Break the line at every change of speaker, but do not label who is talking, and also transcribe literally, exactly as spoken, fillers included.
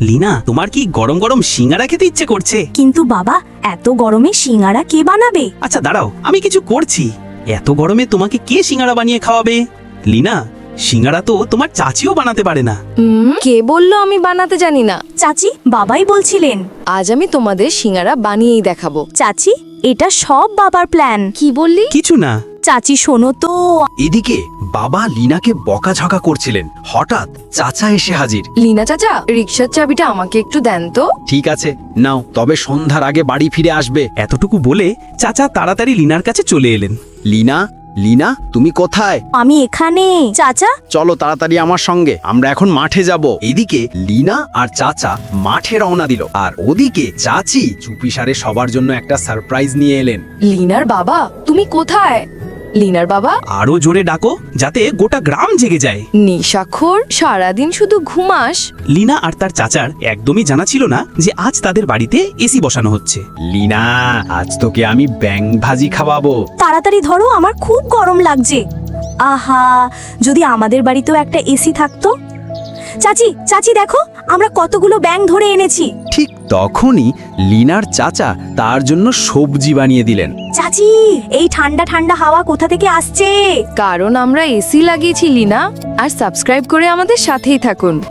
লিনা, তোমার কি গরম গরম সিঙ্গারা খেতে ইচ্ছে করছে?
কিন্তু বাবা, এত গরমে সিঙ্গারা কে বানাবে?
আচ্ছা দাঁড়াও, আমি কিছু করছি। এত গরমে তোমাকে কে সিঙ্গারা বানিয়ে খাওয়াবে? লিনা, সিঙ্গারা তো তোমার চাচিও বানাতে পারে না।
হুম, কে বললো আমি বানাতে জানি না?
চাচি, বাবাই বলছিলেন।
আজ আমি তোমাদের সিঙ্গারা বানিয়েই দেখাবো।
চাচি, এটা সব বাবার প্ল্যান।
কি বললি?
কিছু না।
চাচি শোনো তো।
এদিকে বাবা লিনাকে বকাঝকা করছিলেন, হঠাৎ চাচা এসে হাজির।
লিনা চাচা, রিক্সার চাবিটা আমাকে একটু দেন তো।
ঠিক আছে, নাও, তবে সন্ধ্যার আগে বাড়ি ফিরে আসবে।
এতটুকু বলে চাচা তাড়াতাড়ি লিনার কাছে চলে এলেন।
লিনা, লিনা, তুমি কোথায়?
আমি এখানে। চাচা,
চলো তাড়াতাড়ি আমার সঙ্গে, আমরা এখন মাঠে যাব। এদিকে লিনা আর চাচা মাঠে রওনা দিল, আর ওদিকে চাচি চুপিসারে সবার জন্য একটা সারপ্রাইজ নিয়ে এলেন।
লিনার বাবা, তুমি কোথায়? লিনার বাবা?
আরো জোরে ডাকো, যাতে গোটা গ্রাম জেগে যায়।
নিশাখোর, সারাদিন শুধু ঘুমাস।
লিনা আর তার চাচার একদমই জানা ছিল না যে আজ তাদের বাড়িতে এসি বসানো হচ্ছে।
লিনা, আজ তোকে আমি ব্যাং ভাজি খাওয়াবো।
তাড়াতাড়ি ধরো, আমার খুব গরম লাগছে। আহা, যদি আমাদের বাড়িতেও একটা এসি থাকতো। চাচি, চাচি দেখো, আমরা কতগুলো ব্যাঙ ধরে এনেছি।
ঠিক তখনই লিনার চাচা তার জন্য সবজি বানিয়ে দিলেন।
চাচি, এই ঠান্ডা ঠান্ডা হাওয়া কোথা থেকে আসছে?
কারণ আমরা এসি লাগিয়েছি লিনা। আর সাবস্ক্রাইব করে আমাদের সাথেই থাকুন।